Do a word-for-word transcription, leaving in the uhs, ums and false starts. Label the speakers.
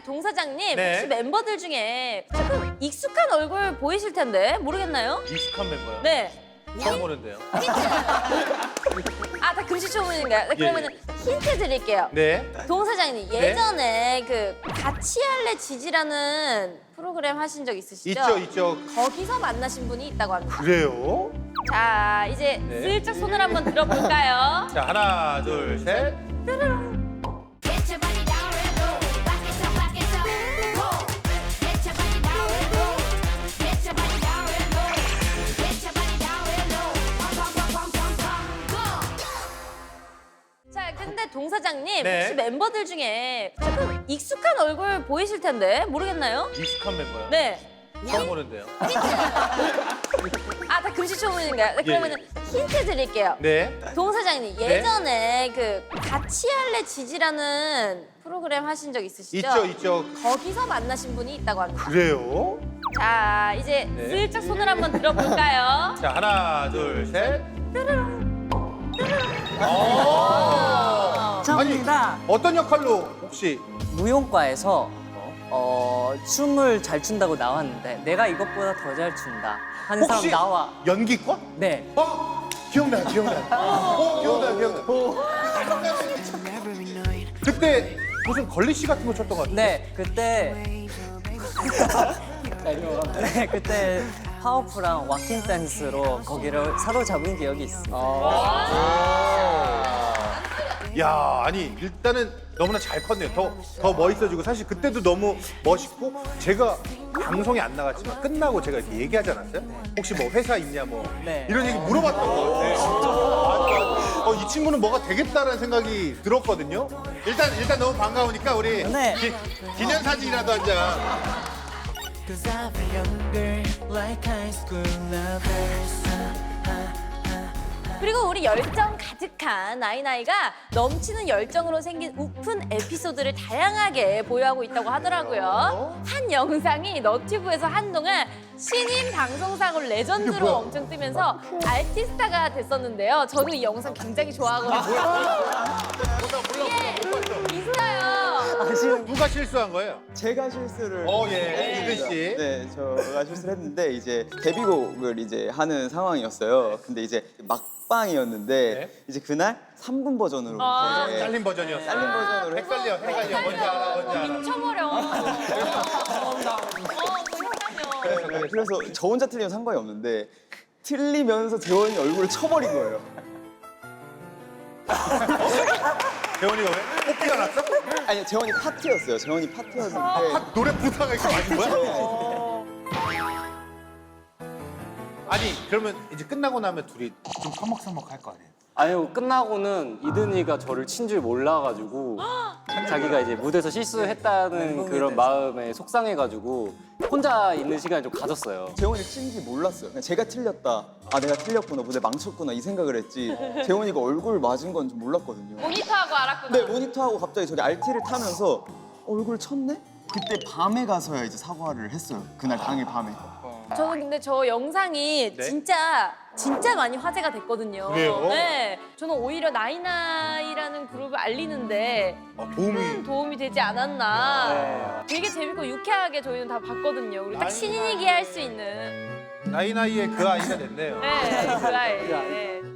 Speaker 1: 동 사장님,
Speaker 2: 네.
Speaker 1: 혹시 멤버들 중에 조금 익숙한 얼굴 보이실 텐데 모르겠나요?
Speaker 2: 익숙한 멤버요?
Speaker 1: 네.
Speaker 2: 처음 보는데요.
Speaker 1: 아, 다 금시초문인가요? 네, 그러면 힌트 드릴게요.
Speaker 2: 네.
Speaker 1: 동 사장님, 예전에 그 같이 할래 지지라는 프로그램 하신 적 있으시죠?
Speaker 2: 있죠, 있죠.
Speaker 1: 거기서 만나신 분이 있다고 합니다.
Speaker 2: 그래요?
Speaker 1: 자, 이제
Speaker 2: 네.
Speaker 1: 슬쩍 손을 한번 들어볼까요?
Speaker 2: 자, 하나, 둘, 셋.
Speaker 3: Get your body down real low. Rock it up, rock it up. Go. Get your body down real low. Get your body down real low. Get your body down real low. Pum, pum, pum, pum, pum, pum. Go.
Speaker 1: 자, 근데 동 사장님,
Speaker 2: 네.
Speaker 1: 혹시 멤버들 중에 조금 익숙한 얼굴 보이실 텐데 모르겠나요?
Speaker 2: 익숙한 멤버요?
Speaker 1: 네.
Speaker 2: 처음 보는데요.
Speaker 1: 아, 다 금시초문인가요? 네, 그러면 힌트 드릴게요.
Speaker 2: 네.
Speaker 1: 동 사장님, 예전에 그 같이 할래 지지라는 프로그램 하신 적 있으시죠?
Speaker 2: 있죠, 있죠.
Speaker 1: 거기서 만나신 분이 있다고 합니다.
Speaker 2: 그래요?
Speaker 1: 자, 이제
Speaker 2: 네.
Speaker 1: 슬쩍 손을 한번 들어볼까요?
Speaker 2: 자, 하나, 둘, 셋.
Speaker 4: 처음입니다.
Speaker 2: 어떤 역할로 혹시?
Speaker 4: 무용과에서 어, 춤을 잘 춘다고 나왔는데 내가 이것보다 더 잘 춘다 하는 사람
Speaker 2: 혹시
Speaker 4: 나와.
Speaker 2: 연기과?
Speaker 4: 네.
Speaker 2: 어? 기억나, 기억나. 어, 기억나, 기억나. 그때 무슨 걸리씨 같은 거 쳤던 것 같아요.
Speaker 4: 네, 그때 네, 그때 파워풀한 왁킹 댄스로 거기를 사로잡은 기억이 있습니다.
Speaker 2: 야, 아니 일단은 너무나 잘 컸네요. 더, 더 멋있어지고 사실 그때도 너무 멋있고 제가 방송에 안 나갔지만 끝나고 제가 이렇게 얘기하지 않았어요? 혹시 뭐 회사 있냐 뭐
Speaker 4: 네.
Speaker 2: 이런 얘기 물어봤던 것 같아요. 어, 이 친구는 뭐가 되겠다라는 생각이 들었거든요. 일단 일단 너무 반가우니까 우리
Speaker 4: 네.
Speaker 2: 기, 기념사진이라도 한 장.
Speaker 5: Cause I feel younger, like high school lovers.
Speaker 1: 그리고 우리 열정 가득한 나이나이가 넘치는 열정으로 생긴 우픈 에피소드를 다양하게 보유하고 있다고 하더라고요. 한 영상이 너튜브에서 한동안 신인 방송사고 레전드로 엄청 뜨면서 알티스타가 됐었는데요. 저도 이 영상 굉장히 좋아하거든요. 이게 이수아요.
Speaker 2: 누가 실수한 거예요?
Speaker 6: 제가 실수를
Speaker 2: 어, 예. 이든 씨.
Speaker 6: 네, 저가 실수를 했는데 이제 데뷔곡을 이제 하는 상황이었어요. 근데 이제 막방이었는데
Speaker 2: 네.
Speaker 6: 이제 그날 삼 분 버전으로
Speaker 1: 아,
Speaker 6: 이제
Speaker 2: 잘린 버전이었어요.
Speaker 6: 잘린 버전으로 했
Speaker 2: 헷갈려, 헷갈려. 뭔지 알아, 뭔지 알아.
Speaker 1: 미쳐버려. 어, 너무 헷갈려.
Speaker 6: 네, 그래서 저 혼자 틀리면 상관이 없는데 틀리면서 재원이 얼굴을 쳐버린 거예요.
Speaker 2: 재원이가 왜? 뽑기가 났어?
Speaker 6: 아니 재원이 파트였어요. 재원이 파트였는데
Speaker 2: 아, 노래 부사가 이렇게 맞은 거야? 아니 그러면 이제 끝나고 나면 둘이 좀 서먹서먹 할 거 아니에요?
Speaker 7: 아니요, 끝나고는 이든이가 저를 친 줄 몰라가지고 자기가 이제 무대에서 실수했다는 그런 마음에 속상해가지고 혼자 있는 시간을 좀 가졌어요.
Speaker 6: 재원이 친지 몰랐어요. 그냥 제가 틀렸다. 아 내가 틀렸구나. 무대 망쳤구나 이 생각을 했지. 재원이가 얼굴 맞은 건 좀 몰랐거든요.
Speaker 1: 모니터하고 알았구나.
Speaker 6: 네, 모니터하고 갑자기 저기 알티를 타면서 얼굴 쳤네? 그때 밤에 가서야 이제 사과를 했어요. 그날 당일 밤에.
Speaker 1: 저는 근데 저 영상이
Speaker 2: 네?
Speaker 1: 진짜 진짜 많이 화제가 됐거든요.
Speaker 2: 그래요?
Speaker 1: 네, 저는 오히려 나이나이라는 그룹을 알리는데
Speaker 2: 아, 도움이
Speaker 1: 큰 도움이 되지 않았나. 되게 재밌고 유쾌하게 저희는 다 봤거든요. 우리 딱 신인이기 할 수 있는.
Speaker 2: 나이 나이에 그 아이가 됐네요.
Speaker 1: 네, 그 아이. 네.